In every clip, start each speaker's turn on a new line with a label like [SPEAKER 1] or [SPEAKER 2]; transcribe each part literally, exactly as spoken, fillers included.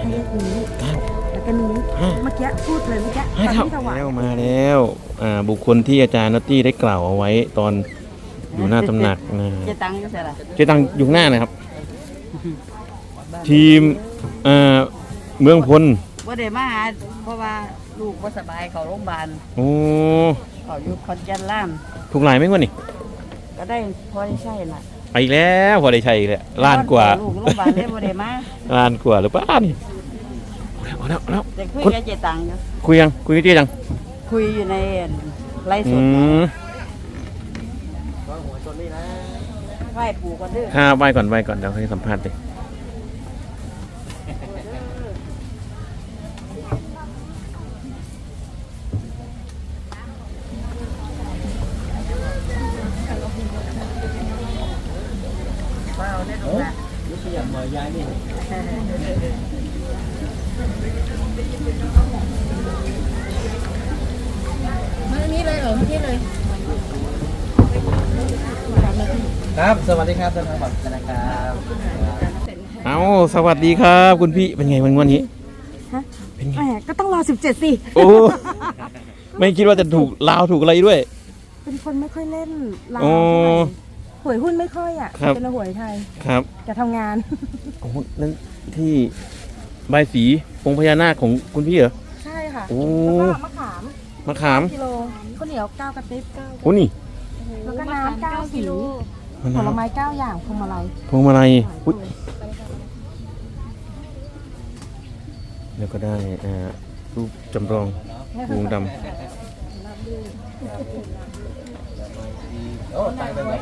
[SPEAKER 1] ให้เลขนี้
[SPEAKER 2] เก้า
[SPEAKER 1] แล้วก็นี้เมื่อกี้พูดเลยเมื่อกี้ตอนที่ถวาย
[SPEAKER 2] แล้วมาแล้วอ่าบุคคลที่อาจารย์นัตตี้ได้กล่าวเอาไว้ตอนอยู่หน้าตำหนักนะ
[SPEAKER 3] เจตังก็ใช่ละ
[SPEAKER 2] เจตังอยู่หน้านะครับ ทีมเอ่อเมืองพล
[SPEAKER 3] ว่าเดี๋ยวมาหาเพราะว่าลูกว่าสบายเขาโรงพยาบาล
[SPEAKER 2] โอ้
[SPEAKER 3] เขาอยู่คอนแก่นล่าม
[SPEAKER 2] ถูกหลายไหมวะนี่
[SPEAKER 3] ก็ได้พอได้ใช่น่ะ
[SPEAKER 2] ไปอีกแล้วพอได้ใช่อีกแล้วล้านกว่า
[SPEAKER 3] ลูกโรงพยาบาลเลยบ่ได้มา
[SPEAKER 2] ล้านกว่าหรือเปล่านี่เอาแล้วเอาแล้ว
[SPEAKER 3] แต่คุย
[SPEAKER 2] คุณ
[SPEAKER 3] กับเจตังอยู่
[SPEAKER 2] คุยยังคุยกับเจตัง
[SPEAKER 3] คุยอยู่ในไลฟ์ส
[SPEAKER 2] อื
[SPEAKER 3] ด
[SPEAKER 2] ม
[SPEAKER 3] ไหว้ปู่กันเด้อ
[SPEAKER 2] ข้าไหว้ก่อนไหว้ก่อนเดี๋ยวให้สัมภาษณ์เลย
[SPEAKER 3] เปล่าเนี่ยดูนะ
[SPEAKER 4] มานี้เลยเหรอที่เลย
[SPEAKER 5] ครับ สวัสดีครับท่านผู้ชมนะครับ
[SPEAKER 2] เอาสวัสดีครับคุณพี่เป็นไงวันวันนี้
[SPEAKER 1] ฮะ
[SPEAKER 2] เป็นไง
[SPEAKER 1] แหมก็ต้องรอสิบเจ็ดสิ
[SPEAKER 2] โอ้ ไม่คิดว่าจะถูกลาวถูกอะไรด้วย
[SPEAKER 1] เป็นคนไม่ค่อยเล่นลาว
[SPEAKER 2] โอ้
[SPEAKER 1] เท่าไหร่หวยหุ้นไม่ค่อยอ่ะ
[SPEAKER 2] ครับ
[SPEAKER 1] เป็นหวยไทย
[SPEAKER 2] ครับ
[SPEAKER 1] จะทำงาน
[SPEAKER 2] โอ้นั่นที่ใบายสีองค์พญานาคของคุณพี่เหรอ
[SPEAKER 1] ใช่ค่ะ
[SPEAKER 2] โอ้
[SPEAKER 1] แล้วก็มะขาม
[SPEAKER 2] มะขาม
[SPEAKER 1] กิโลข้าวเหนียวเก้ากระติบ
[SPEAKER 2] โอ้นี่
[SPEAKER 1] แล้วก็น้ำเก้าสี
[SPEAKER 2] มะ
[SPEAKER 1] ผ
[SPEAKER 2] นา
[SPEAKER 1] ล
[SPEAKER 2] ว
[SPEAKER 1] ไม้เก้าอย่างพวงมาลัย
[SPEAKER 2] พวงมาลัยอุ๊ยแล้วก็ได้อ่ารูปจำลองวงด
[SPEAKER 5] โอ้ตายไปไหน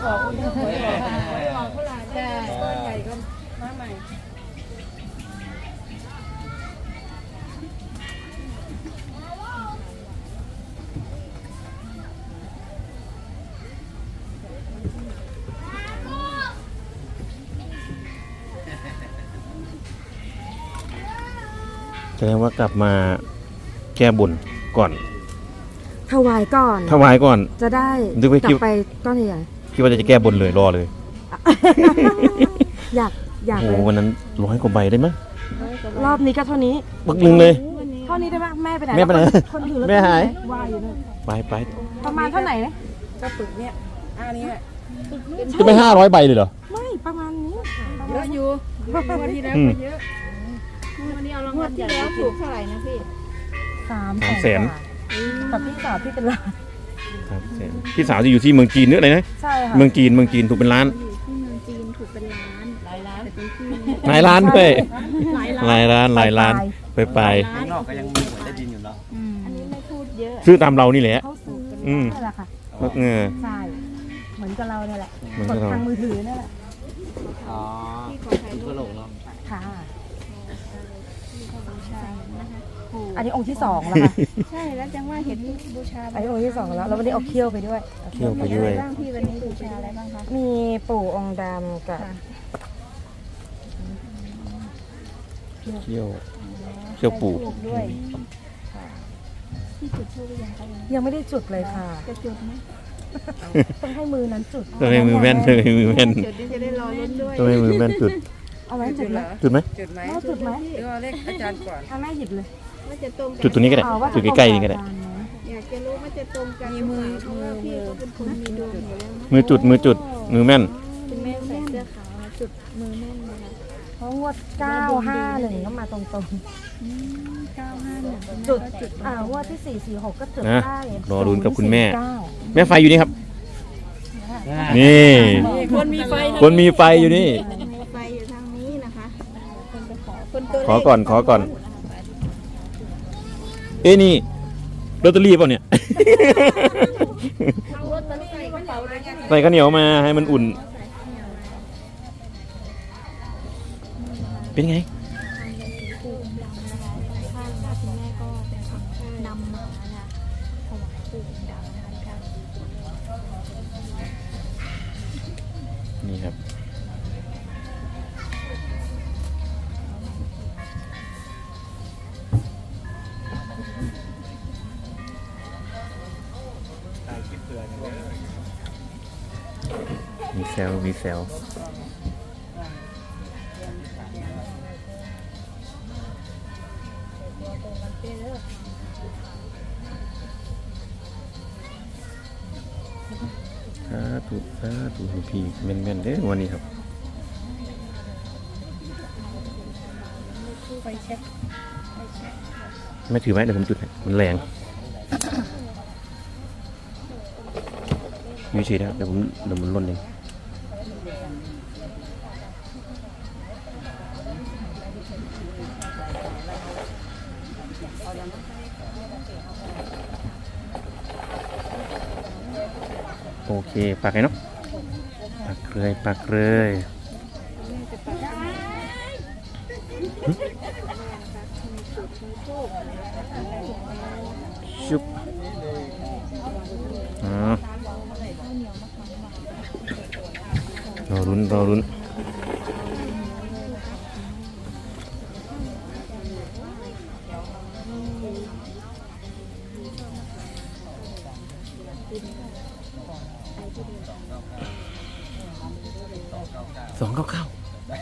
[SPEAKER 2] ำแสดงว่ากลับมาแก้บนก่อน
[SPEAKER 1] ถวายก่อน
[SPEAKER 2] ถวายก่อน
[SPEAKER 1] จะได้
[SPEAKER 2] นึกว่า
[SPEAKER 1] กลั
[SPEAKER 2] คิด
[SPEAKER 1] บไปก้อนใหญ่
[SPEAKER 2] คิดว่าจะแก้บนเลยรอเลย
[SPEAKER 1] ๆอยากอยาก
[SPEAKER 2] โอ้
[SPEAKER 1] เล
[SPEAKER 2] โห
[SPEAKER 1] ย
[SPEAKER 2] วันนั้นร้อยกว่าใบได้ไหมย
[SPEAKER 1] รอบนี้ก็เท่านี้
[SPEAKER 2] ปึกหนึ่งเลย
[SPEAKER 1] เท่านี้ได้ไหมแม่ไปไหน
[SPEAKER 2] แม่ไปไหน
[SPEAKER 1] คนถือแล้ว
[SPEAKER 2] แม่หาย
[SPEAKER 1] วายอยู่เลย
[SPEAKER 2] ไปไป
[SPEAKER 1] ประมาณเท่าไหร่เนี่ย
[SPEAKER 3] ก็ปึกเนี่ยอันนี้
[SPEAKER 2] จะไปห้าร้อยใบเลยเหรอ
[SPEAKER 1] ไม่ประมาณนี้
[SPEAKER 4] เยอะอยู่วันที่แล้ว
[SPEAKER 2] อืม
[SPEAKER 4] ก็เยอะวันนี้เอารางวัลที่แล้วถูกเท่าไหร่นะพี่
[SPEAKER 1] สาม
[SPEAKER 2] สามแสน
[SPEAKER 1] กว่ากับพี่สาวพี่เป็นล้าน
[SPEAKER 2] ครับเสร็จพี่สาวจะอยู่ที่เมืองจีนเนื้ออะไรนะ
[SPEAKER 1] ใช่ค่ะ
[SPEAKER 2] เมืองจีนเมืองจีนถูกเป็นล้าน
[SPEAKER 4] อยู่ที่เมืองจีนถูกเป็นล้าน
[SPEAKER 3] หลายล้าน
[SPEAKER 4] แต่เป็นที่
[SPEAKER 2] หลายล้านด้วย
[SPEAKER 4] หลายล้าน
[SPEAKER 2] หลายล้านหลายล้านไปไป
[SPEAKER 5] ข้างนอกก็ยังมีหวยใต้ดินอยู่เนาะ
[SPEAKER 4] อืมอันนี้ไม่พูดเยอะ
[SPEAKER 2] ซื้อตามเรานี่แหละ
[SPEAKER 1] เขาซื้อ
[SPEAKER 2] อืม
[SPEAKER 1] นี่แหละค่ะ
[SPEAKER 2] เออ
[SPEAKER 1] ใช่เหมือนกับเราเนี่ยแหละ
[SPEAKER 2] เหมือน
[SPEAKER 1] ก
[SPEAKER 2] กับ
[SPEAKER 1] ด
[SPEAKER 2] เรา
[SPEAKER 1] ทางมือถือนี่แหละ
[SPEAKER 5] อ๋อ
[SPEAKER 4] ที่ขอถ่ายรู
[SPEAKER 5] ก็
[SPEAKER 4] ป
[SPEAKER 5] หลงเนาะ
[SPEAKER 1] ค่ะ
[SPEAKER 4] ใช่นะคะปู่
[SPEAKER 1] อันนี้องค์ที่สองแล้วค่ะ
[SPEAKER 4] ใช่แล้วจังว่าเห็นบูชา
[SPEAKER 1] อันนี้องค์ที่สองแล้วแล้ววันนี้เอาเขี้ยวไปด้วย
[SPEAKER 2] เที่ยวไปด้วย
[SPEAKER 4] บ้างพี่วันนี้บูชาอะไรบ้างคะ
[SPEAKER 1] มีปู่องค์ดำกับ
[SPEAKER 2] เที่ยวเที่ยวปู่
[SPEAKER 4] ถูกด้วยที่จุดทูบหรือยังคะ
[SPEAKER 1] ยังไม่ได้จุดเลยค่ะ
[SPEAKER 4] จะจุดไหม
[SPEAKER 1] ต้องให้มือนั้นจุด
[SPEAKER 2] ต้องให้มือแม่นต้องให้มือแม่น
[SPEAKER 4] จุดนี้จะได้รอลุ้นด้วย
[SPEAKER 2] ต้องให้มือแม่นจุด
[SPEAKER 1] เอาไว้จุดไหม
[SPEAKER 2] จุดไหม
[SPEAKER 3] จุดไหม
[SPEAKER 1] แม่จุดไหม
[SPEAKER 3] หรือว่าเลขอาจารย์ก่อน
[SPEAKER 1] เอาแม่หยิบเลย
[SPEAKER 4] ว่าจะตรงกั
[SPEAKER 2] จุดตัวนี้ก็ได้
[SPEAKER 1] เอาว่า
[SPEAKER 2] จุดใกล้ๆนี่ก็ได้
[SPEAKER 4] อยากจะรู้ว่าจะตรงกัน
[SPEAKER 3] มีมือ
[SPEAKER 4] เพราะว่าพี่ก็เป็นคนมีดวงอยู่แล้วนะ
[SPEAKER 2] มือจุดมือจุดมือแม่น
[SPEAKER 4] คุณแม่ใส่เสื้อขาวนะจุดมือแน่นเลยนะ
[SPEAKER 1] เพราะงวดเก้าห้าหนึ่งก็มาตรง
[SPEAKER 4] อืมเก้าห้าหนึ่ง
[SPEAKER 1] ๆ จุดอ่างวดที่สี่สี่หกก็จุด
[SPEAKER 2] นะ
[SPEAKER 1] ได้
[SPEAKER 2] รอลุ้นกับคุณแม่
[SPEAKER 1] เก้า
[SPEAKER 2] แม่ไฟอยู่นี่ครับ นี่
[SPEAKER 3] คนมีไฟ
[SPEAKER 2] คนมีไฟอยู่นี่
[SPEAKER 4] มีไฟอยู่ทางนี้นะคะคนไปขอคนตัว
[SPEAKER 2] ขอก่อนขอก่อน เอ้นี่ลอตเตอรี่เปล่าเนี่ย
[SPEAKER 4] รถตอนนี้ใส่กระเป๋าเลยไง
[SPEAKER 2] ใส่ข้าวเหนียวมาให้มันอุ่น เป็นไง
[SPEAKER 4] นำมานะถวายปู่ดำนะคะ
[SPEAKER 2] นี่ครับ มีแซลมีแซลธุสาธุให้พี่แม่นๆเด้อวันนี้ครับ
[SPEAKER 4] ไปเช็คไปเช็ค
[SPEAKER 2] ไม่ถือไว้เดี๋ยวผมจุดให้มันแรงอยู่เฉยๆนะเดี๋ยวผมเดี๋ยวมันล่นเองโอเคปักไงเนาะปักเลยปักเลยชุบอ๋อรอรุ้นรอรุ้นสองเก้าเก้า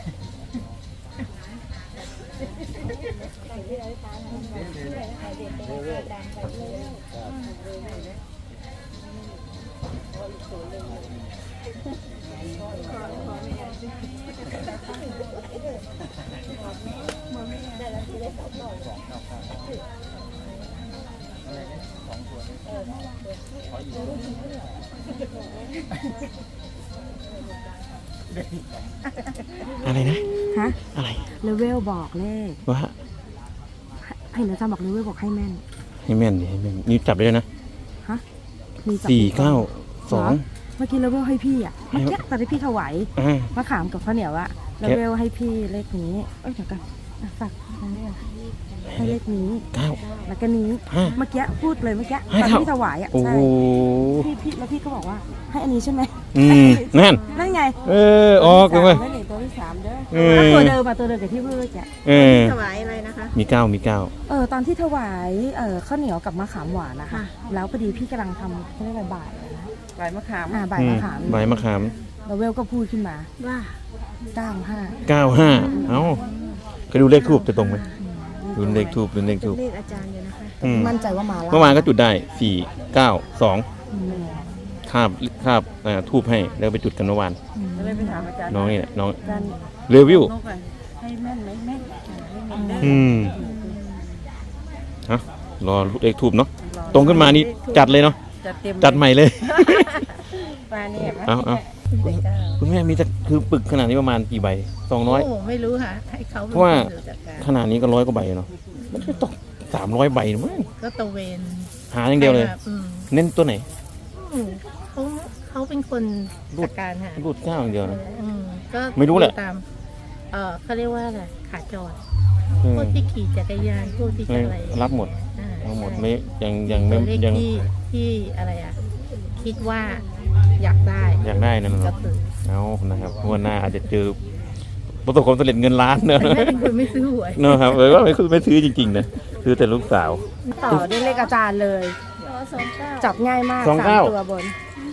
[SPEAKER 2] อะไรนะ
[SPEAKER 1] ฮะ
[SPEAKER 2] อะไร
[SPEAKER 1] เลเวลบอกเลข
[SPEAKER 2] ว่า
[SPEAKER 1] ให้นะจ๊ะบอกเลเวลบอกให้แม่น
[SPEAKER 2] ให้แม่นดิให้แม่นนี่จับได้เลยนะ
[SPEAKER 1] ฮะมีจับ
[SPEAKER 2] สี่เก้าสอง
[SPEAKER 1] เมื่อกี้เลเวลให้พี่อ่ะเมื่อกี้ตอนที่พี่ถวาย
[SPEAKER 2] อ่าม
[SPEAKER 1] ะขามกับข้าวเหนียวอะเลเวลให้พี่เลขนี้เอ้ยเดี๋ยวกันอ่ะฝากอันนี้ก่อนให้เลขนี้
[SPEAKER 2] เก้า
[SPEAKER 1] แล้วก็นี้
[SPEAKER 2] ห้า
[SPEAKER 1] เมื่อกี้พูดเลยเมื่อกี้
[SPEAKER 2] ให้
[SPEAKER 1] ตอน
[SPEAKER 2] เท่า
[SPEAKER 1] ที่ถวายอ่ะ
[SPEAKER 2] โอ้
[SPEAKER 1] ใช่
[SPEAKER 2] โห
[SPEAKER 1] พี่พี่แล้วพี่ก็บอกว่าให้อันนี้ใช่ไหม
[SPEAKER 2] อืมนั่น
[SPEAKER 1] นั่นไง
[SPEAKER 2] เออออกเลยเว้ย
[SPEAKER 1] ตัวที่สามตัวที่สามเด้อ
[SPEAKER 2] เออ
[SPEAKER 1] ตัวเดิมอะตัวเดิมกับที่พูดเมื่อกี้
[SPEAKER 2] เออ
[SPEAKER 3] ถวายอะไรนะคะ
[SPEAKER 2] มีเก้ามีเก้า
[SPEAKER 1] เออตอนที่ถวายเออข้าวเหนียวกับมะขามหวานนะคะแล้วพอดีพี่กำลังทำเขาเรียกอะไรบ่ายอะไรนะ
[SPEAKER 3] ถวายมะขาม
[SPEAKER 1] อ่าบ่าย
[SPEAKER 2] อื
[SPEAKER 1] มะ
[SPEAKER 2] ม
[SPEAKER 1] ขาม
[SPEAKER 2] ใบมะขาม
[SPEAKER 1] แล้วเวลก็พูดขึ้นมา
[SPEAKER 3] ว่า
[SPEAKER 1] เก้าห้า
[SPEAKER 2] เก้าห้าเอ้าเคยดูเลขทูบจะตรงไหมดูเลขทูบดูเลขทูบ
[SPEAKER 3] เลขอาจารย์อยู่นะคะ
[SPEAKER 2] อืม
[SPEAKER 1] มั่นใจว่ามาแล้ว
[SPEAKER 2] เมื่อวานก็จุดได้สี่เก้าสอง
[SPEAKER 1] อืม
[SPEAKER 2] คาบคาบอ่าทูบให้แล้วไปจุดกันเมื่อวาน
[SPEAKER 1] อืม
[SPEAKER 3] ก็เลยไปถามอาจารย์
[SPEAKER 2] น้องนี่แหละน้อง
[SPEAKER 1] การ
[SPEAKER 2] เรวิว
[SPEAKER 3] นกอะให้แม่นไหมแม่นให้แม่นเด้อ
[SPEAKER 2] อืมฮะรอเลขทูบเนาะตรงขึ้นมานี่จัดเลยเนาะ
[SPEAKER 3] จัดเต็ม
[SPEAKER 2] จัดใหม่เลย
[SPEAKER 3] ปลาเนี่ย
[SPEAKER 2] เอาเอาคุณแม่มีจะคือปึกขนาดนี้ประมาณกี่ใบสองร้อย
[SPEAKER 3] โอ้ไม่รู้ค่ะให้เขาป็น
[SPEAKER 2] เพราะว่า
[SPEAKER 3] คนจัดการ
[SPEAKER 2] ขนาดนี้ก็ร้อยกว่าใบเนาะมันจะตกสามร้อยใบมั้ง
[SPEAKER 3] ก็ตระเวน
[SPEAKER 2] หาอย่างเดียวเลย
[SPEAKER 3] อืม
[SPEAKER 2] เน้นตัวไหน
[SPEAKER 3] อืมเขาเขาเป็นคนจัดการค่ะ
[SPEAKER 2] รูดเก้าอย่างเดียวนะ
[SPEAKER 3] อืมก็
[SPEAKER 2] ไม่รู้แหละ
[SPEAKER 3] ตามเออเขาเรียกว่าอะไรขาจร
[SPEAKER 2] เออ
[SPEAKER 3] พวกที่ขี่จักรยานพวกที่จะอะไร
[SPEAKER 2] รับหมด
[SPEAKER 3] อ่า
[SPEAKER 2] เอาหมด
[SPEAKER 3] ใช่
[SPEAKER 2] ไม่ยังยังไม่
[SPEAKER 3] ตัวเลข
[SPEAKER 2] ยัง
[SPEAKER 3] ที่ที่อะไรอ่ะ คิดว่าอยากได้
[SPEAKER 2] อยากได้นั่น
[SPEAKER 3] ก็
[SPEAKER 2] เนาะ
[SPEAKER 3] คือ
[SPEAKER 2] เอานะครับงวันหน้าอาจจะเจอประสบความสำเร็จเงินล้านเนอะ
[SPEAKER 3] แม่เป็นคนไม่ซื้อหวย
[SPEAKER 2] เนอะครับเลยว่าไม่คือไม่ซื้อจริงๆนะซื้อแต่ลูกสาว
[SPEAKER 1] ต่อด้วยเลขอาจารย์เลย
[SPEAKER 4] สองเก้า
[SPEAKER 1] จับง่ายมาก
[SPEAKER 2] สอง
[SPEAKER 1] สาม
[SPEAKER 2] เก้า
[SPEAKER 1] ตัวบน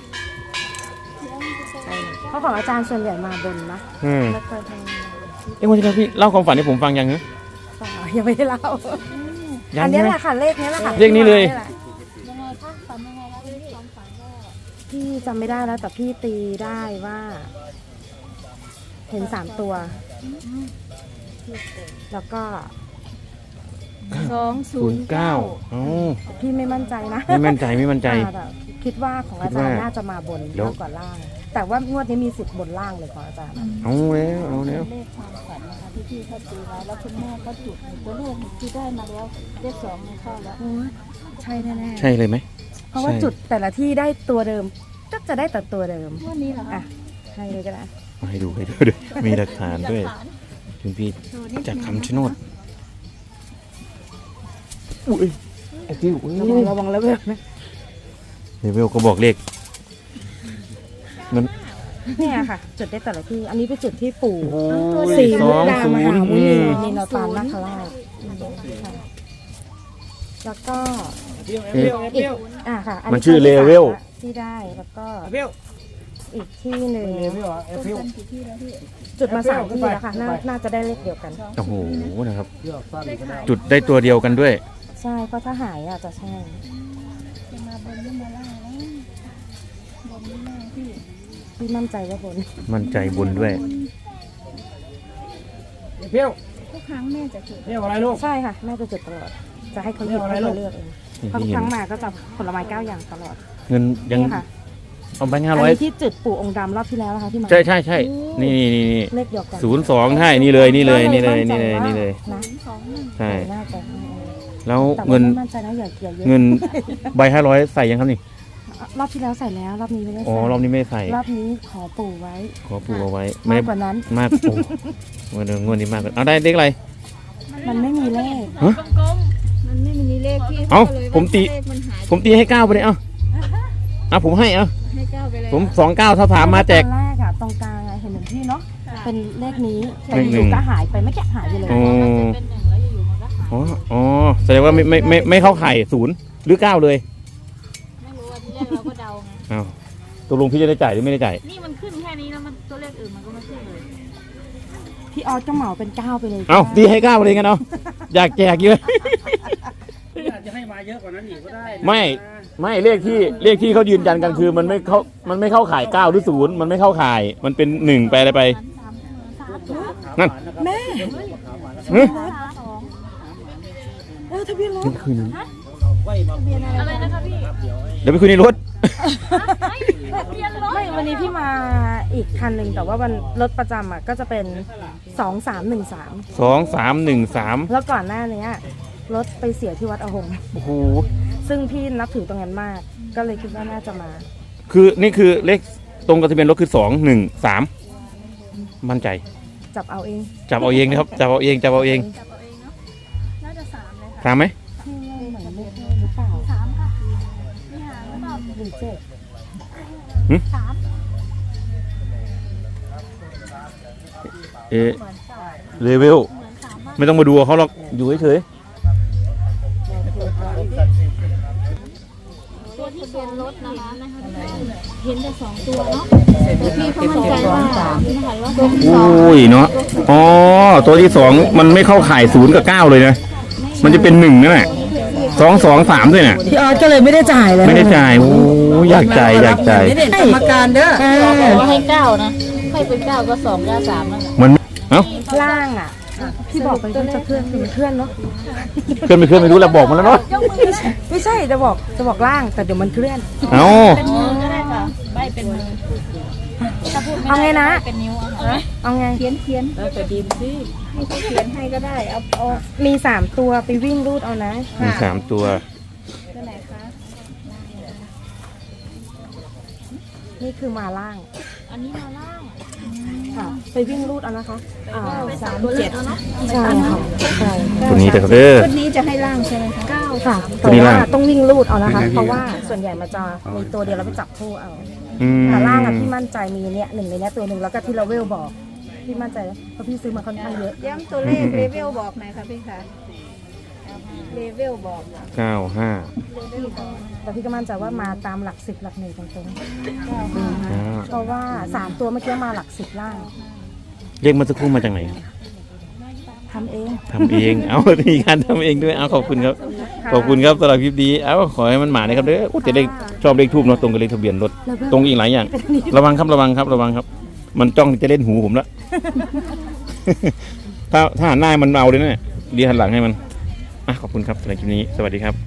[SPEAKER 1] เพราะของอาจารย์ส่วนใหญ่มาบนนะ
[SPEAKER 2] อืม
[SPEAKER 1] ไม่เคยทำ
[SPEAKER 2] เอ้วันที่แล้วพี่เล่าความฝันให้ผมฟังยังฮะ
[SPEAKER 1] ต่อยังไม่ได้เล่า
[SPEAKER 2] ยั
[SPEAKER 1] อั
[SPEAKER 2] ง
[SPEAKER 1] นนี้
[SPEAKER 2] ใช่ไหม
[SPEAKER 1] แหละค่ะเลขนี้แหละค่ะ
[SPEAKER 2] เลขนี้เลย
[SPEAKER 1] แหะ
[SPEAKER 4] ยังไงคะฝันยังไงแล้วที่ความฝันก็
[SPEAKER 1] พี่จำไม่ได้แล้วแต่พี่ตีได้ว่า เห็นสามตัว แล้วก็
[SPEAKER 4] สองศู
[SPEAKER 2] ศู
[SPEAKER 4] น
[SPEAKER 2] น
[SPEAKER 4] ย์
[SPEAKER 2] ย์
[SPEAKER 4] เก้า
[SPEAKER 2] เก้าเอ้า
[SPEAKER 1] พี่ไม่มั่นใจนะ
[SPEAKER 2] ไม่มั่นใจไม่มั่นใจ
[SPEAKER 1] อ่าแต่คิดว่าของอาจารย์น่าจะมาบน
[SPEAKER 2] เดี๋ยว
[SPEAKER 1] มากกว่าล่าง แต่ว่างวดนี้มีสิทธิ์บนล่างเลยของอาจารย์
[SPEAKER 2] เอาแล้วเอาแล้ว
[SPEAKER 4] เลขความฝันนะคะที่พี่เขาตีไว้แล้วคุณแม่ก็จุดตัวเลขที่ได้มาแล้วเลขสองมันเข้าแล้ว
[SPEAKER 1] โอ้ยใช่แน่
[SPEAKER 2] ใช่เลยไหม
[SPEAKER 1] ๆเพราะว่า
[SPEAKER 2] ใช่
[SPEAKER 1] จุดแต่ละที่ได้ตัวเดิมก็จะได้แต่ตัวเดิม
[SPEAKER 4] วันนี้เหรอคะ
[SPEAKER 1] อ่ะให้เลยก็ได้
[SPEAKER 2] มาให้ดูให้ดูด้วยมีหลักฐานด้วยคุณพี่จากคำชะโนดอุ้ยไอ้พี่อุ้ย
[SPEAKER 1] ระวังระวังแล้วเว้ยนะ
[SPEAKER 2] เลเวลก็บอกเลขมัน
[SPEAKER 1] เนี่ยค่ะ จุดได้แต่ละที่ อันนี้เป็นจุดที่ปู่
[SPEAKER 2] โอ้ย
[SPEAKER 1] สี่
[SPEAKER 2] ส
[SPEAKER 1] มุ
[SPEAKER 2] อก ง
[SPEAKER 1] ดา
[SPEAKER 2] ศู
[SPEAKER 1] ม
[SPEAKER 2] น
[SPEAKER 1] หา
[SPEAKER 2] ย์
[SPEAKER 1] มุ
[SPEAKER 2] อื
[SPEAKER 1] นี
[SPEAKER 2] ม
[SPEAKER 1] นินตานนาคราชค่ะแล้วก็
[SPEAKER 2] เอ๊ะ
[SPEAKER 1] อีกอ่ะค่ะอั
[SPEAKER 2] มันชื่อ
[SPEAKER 1] ที่สาม
[SPEAKER 2] level
[SPEAKER 1] ที่ได้แล้วก็
[SPEAKER 5] เปี้ยว
[SPEAKER 1] อีกที่หนึ่ง
[SPEAKER 5] เปี้ยวเอฟเปี้ยว
[SPEAKER 1] จุดมาสามที่แล้วค่ะน่าน่าจะได้เลขเดียวกัน
[SPEAKER 2] โอ้โหนะครับ
[SPEAKER 5] เปี้ยวสั้นก็ได้
[SPEAKER 2] จุดได้ตัวเดียวกันด้วย
[SPEAKER 1] ใช่เพราะถ้าหายอ่ะจะใช่
[SPEAKER 4] จะมาบนหรือมาล่างแล้วบนหรือล่างพี่
[SPEAKER 1] พี่มั่นใจว่าบน
[SPEAKER 2] มั่นใจบนด้วย
[SPEAKER 5] เพี้ยว
[SPEAKER 4] ทุกครั้งแม่จะจุด
[SPEAKER 5] เพี้ยวอะไรลูก
[SPEAKER 1] ใช่ค่ะแม่จะจุดตลอดจะให้เขาหยิบให้เขาเลือกเองเพราะทุกครั้งมาก็จะผลไม้เก้าอย่างตลอด
[SPEAKER 2] เงินยัง
[SPEAKER 1] นี่ค่ะ
[SPEAKER 2] เอาไปห้า
[SPEAKER 1] อัน
[SPEAKER 2] ร้อย
[SPEAKER 1] นี้ที่จุดปู่องค์ดำรอบที่แล้วนะคะที่มา
[SPEAKER 2] ใช่ใช่ใช่นี่นี่นี่นี่
[SPEAKER 1] เลขเดียวกัน
[SPEAKER 2] ศูนย์สองใช่นี่เลยนี่เลยนี่เลยนี่เลยนี่เลย
[SPEAKER 1] นะ
[SPEAKER 4] สองหนึ่ง
[SPEAKER 2] ใช่
[SPEAKER 1] น่าจะ
[SPEAKER 2] แล้ว
[SPEAKER 1] แต่ว่า
[SPEAKER 2] เงิน
[SPEAKER 1] ไม่มั่นใจนะอย่าอย่าเยอะ
[SPEAKER 2] เงินใบห้าร้อยใส่ยังครับนี่
[SPEAKER 1] รอบที่แล้วใส่แล้วรอบนี้ไม่ได้
[SPEAKER 2] อ๋อ
[SPEAKER 1] ใส่
[SPEAKER 2] รอบนี้ไม่ใส่
[SPEAKER 1] รอบนี้ขอปู่ไว้
[SPEAKER 2] ขอปูเอาไว้
[SPEAKER 1] มาก
[SPEAKER 2] ได้
[SPEAKER 1] กว่านั้น
[SPEAKER 2] มากโอ้เงินงวดนี้มากกว่าเอาได้เลขอะไร
[SPEAKER 1] มันไม่มีเลข
[SPEAKER 2] ฮะ
[SPEAKER 4] มันไม่มีเลขที่
[SPEAKER 2] เอ้า
[SPEAKER 4] ก็เลย
[SPEAKER 2] ผมตี
[SPEAKER 4] เลขมันหาย
[SPEAKER 2] ผมตีให้เก้าไปเลยเอ้าอ่ะผมให้เอ้า
[SPEAKER 4] ให้เก้าไปเลย
[SPEAKER 2] ผมสองเก้าถ้าถามมาแจก
[SPEAKER 1] ตอนแรกอะตรงกลางอะเห็นเหมือนพี่เนาะเป็นเลขนี้แต่
[SPEAKER 2] เลข
[SPEAKER 1] อ
[SPEAKER 2] หนึ่
[SPEAKER 1] ยู่
[SPEAKER 2] ง
[SPEAKER 1] ๆก็หายไปไม่แกะหายไปเลย
[SPEAKER 2] อ๋อ
[SPEAKER 4] เป็นหนึ่งแล้วอยู่ๆมันก็หาย
[SPEAKER 2] อ๋ออ๋อแสดงว่าไม่ไม่ไม่ไม่เข้าไข่ศูนย์หรือเก้าเลย
[SPEAKER 4] ไม่รู้ว่าที่แรกเราก็เดาไง
[SPEAKER 2] อ้าวตกลงพี่จะได้จ่ายหรือไม่ได้จ่าย
[SPEAKER 4] นี่มันขึ้นแค่นี้แล้วมันตัวเลขอื่นมันก็ไม่ขึ้นเลย
[SPEAKER 1] พี่ออสก็เหมาเป็นเก้าไปเลย
[SPEAKER 2] เอ้าตีให้เก้าไปเลยกันเอาอยากแจกเยอะ
[SPEAKER 5] อาจจะให้มาเยอะกว่านั้นอีกก็ได้นะ
[SPEAKER 2] ไม่ไม่เลขที่เลขที่เขายืนยันกันคือมันไม่เข้ามันไม่เข้าข่ายเก้าหรือศูนย์มันไม่เข้าข่าย มันเป็นหนึ่งไปอะไรไป นั่น
[SPEAKER 1] แม่
[SPEAKER 2] เฮ้ย
[SPEAKER 1] เออทะเบียนรถ
[SPEAKER 2] คืนนี้
[SPEAKER 4] อะไรนะคะพี่
[SPEAKER 2] เดี๋ยวไปคุยในรถ
[SPEAKER 1] ไม่วันนี้พี่มาอีกคันหนึ่งแต่ว่าวันรถประจำอะก็จะเป็นสองสามหนึ่งสาม
[SPEAKER 2] สองสามหนึ่งสาม
[SPEAKER 1] แล้วก่อนหน้านี้รถไปเสียที่วัดอหงส์
[SPEAKER 2] โอ้โห
[SPEAKER 1] ซึ่งพี่นับถือตรงนั้นมาก ก็เลยคิดว่าน่าจะมา
[SPEAKER 2] คือนี่คือเลขตรงกับทะเบียนรถคือสองหนึ่งสามมั่นใจ
[SPEAKER 1] จับเอาเอง
[SPEAKER 2] จับเอาเองนะครับจับเอาเองจับเอาเอง
[SPEAKER 4] จับเอาเองเนาะน่าจะสามเลยค่ะ
[SPEAKER 2] สามไหม
[SPEAKER 1] พี่ว่าเหมือนเลขหรือเปล่า
[SPEAKER 4] สามค่ะมีหางหรือเปล่า
[SPEAKER 1] หรือเจ็ด
[SPEAKER 4] สาม
[SPEAKER 2] เอะเลเวล
[SPEAKER 4] เหมือนสามมาก
[SPEAKER 2] ไม่ต้องมาดูเขาหรอกอยู่เฉย
[SPEAKER 4] ตัวที่ทะเบียนรถนะคะเห็นแต่สองตัวเนาะแต่พี่เขามั่นใจว่านะคะว่าตัวที่
[SPEAKER 2] ๆ
[SPEAKER 4] สอง
[SPEAKER 2] โอ้ยเนาะอ๋อตัวที่สองมันไม่เข้าข่ายศูนย์กับเก้าเลยนะมันจะเป็นหนึ่งนั่นแหละสองสองสามด้วยน่ะ
[SPEAKER 1] พี่ออสก็เลยไม่ได้จ่ายเลย
[SPEAKER 2] ไม่ได้จ่ายโอ้ยอยากจ่ายอยากจ่าย
[SPEAKER 1] กรรมการเด้อ
[SPEAKER 4] ว่าให้เก้านะให้เป็นเก้าก็สองเก้าสามนั่นแหละ
[SPEAKER 2] มันเอ้า
[SPEAKER 1] ล่างอ่ะพี่บอกไปว่าจะเคลื่อนคือมันเคลื่อนเนาะ
[SPEAKER 2] เคลื่อนไม่เคลื่อนไม่รู้แล้วบอกมาแล้วเนาะ
[SPEAKER 1] ไม่ใช่จะบอกจะบอกล่างแต่เดี๋ยวมันเคลื่อน
[SPEAKER 2] เอ้า
[SPEAKER 4] เป็นมือก็ได้ค่ะใบเป็นมือถ้าพูดไม่
[SPEAKER 1] เอาไง
[SPEAKER 4] ได้
[SPEAKER 1] นะ
[SPEAKER 4] เป็นนิ้วอะค่ะ
[SPEAKER 1] เอาไง
[SPEAKER 4] เขียนเขียนแล้วแต่ดีมสิให้เขาเขียนให้ก็ได้เอาเอา
[SPEAKER 1] มีสามตัวไปวิ่งรูดเอานะ
[SPEAKER 2] มีสามตัว
[SPEAKER 4] ตัวไหนคะ
[SPEAKER 1] นี่คือมาล่าง
[SPEAKER 4] อันนี้มาล่าง
[SPEAKER 1] ค่ะ ไปวิ่งรูดเอานะคะอ่า
[SPEAKER 4] สามเจ็ดเนาะ
[SPEAKER 1] ใช่ค่ะใช่
[SPEAKER 2] ตัวนี้แต่เด้อ
[SPEAKER 4] วันนี้จะให้ล่างใช่ไหมคะเก้า
[SPEAKER 1] ค่ะ
[SPEAKER 2] ตั
[SPEAKER 1] แต่
[SPEAKER 2] วนี้
[SPEAKER 1] ว่า
[SPEAKER 2] ล่าง
[SPEAKER 1] ต้องวิ่งรูดเอานะคะ เพราะว่าส่วนใหญ่มันจะมีตัวเดียวแล้วไปจับคู่เอา
[SPEAKER 2] อืม
[SPEAKER 1] แต่ล่างอะพี่มั่นใจมีเนี่ยหนึ่งในเนี้ยตัวหนึ่งแล้วก็ที่เราเวลบอกพี่มั่นใจเพราะพี่ซื้อมาค่อนข้างเยอะ
[SPEAKER 4] ย้ำตัวเลขเลเวลบอกหน่อยค่ะพี่คะเลเวลบอก
[SPEAKER 2] เก้าห้า
[SPEAKER 4] เลเวลบอก
[SPEAKER 1] แต่พี่ก็มั่นใจว่ามาตามหลักสิบหลักหนึ่งตรง
[SPEAKER 2] อ่า
[SPEAKER 1] ๆเพราะว่าสามตัวเมื่อกี้มาหลักสิบล่าง
[SPEAKER 2] เรียกมาสักครู่มาจากไหน
[SPEAKER 1] ทำเอง
[SPEAKER 2] ทำเอง เอามีการทำเองด้วยเอาขอบคุณครับ ขอบคุณครับสำหรับคลิปดีเอาขอให้มันหมานะครับเด้อโอ้แต่เลขชอบเลขทูบเนาะตรงกับเลขทะเบียนรถตรงอีกหลายอย่าง ระวังครับระวังครับระวังครับ มันจ้องจะเล่นหูผมละ ถ้าถ้าหันหน้ามันเอาเลยนะเนี่ยดีหันหลังให้มันอ่ะขอบคุณครับสำหรับคลิปนี้สวัสดีครับ